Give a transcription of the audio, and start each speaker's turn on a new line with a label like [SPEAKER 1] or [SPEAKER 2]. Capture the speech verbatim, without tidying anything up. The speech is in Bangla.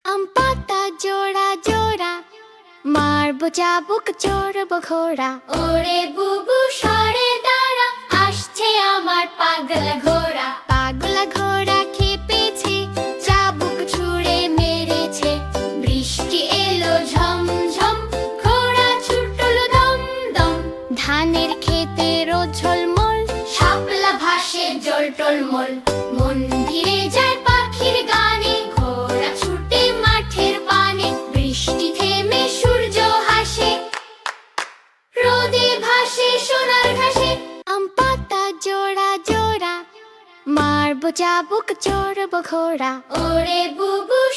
[SPEAKER 1] আম পাতা জোড়া জোড়া, মারবো চাবুক চড়বো ঘোড়া।
[SPEAKER 2] ওরে বুবু সরে দাঁড়া, আসছে আমার পাগলা ঘোড়া।
[SPEAKER 1] পাগলা ঘোড়া খেপেছে, চাবুক ছুঁড়ে মেরেছে।
[SPEAKER 2] বৃষ্টি এলো ঝমঝম, ঘোড়া ছুটলো দম দম।
[SPEAKER 1] ধানের ক্ষেতে রোদ ঝলমল,
[SPEAKER 2] শাপলা ভাসে জল টলমল। মন্দিরে যায় পাখির গানে, ঘোড়া ছুটে মাঠের পানে। বৃষ্টি থেমে সূর্য হাসে, রোদে ভাসে সোনার ঘাসে।
[SPEAKER 1] আম পাতা জোড়া জোড়া, মারবো চাবুক চড়বো ঘোড়া।
[SPEAKER 2] ওরে বুবু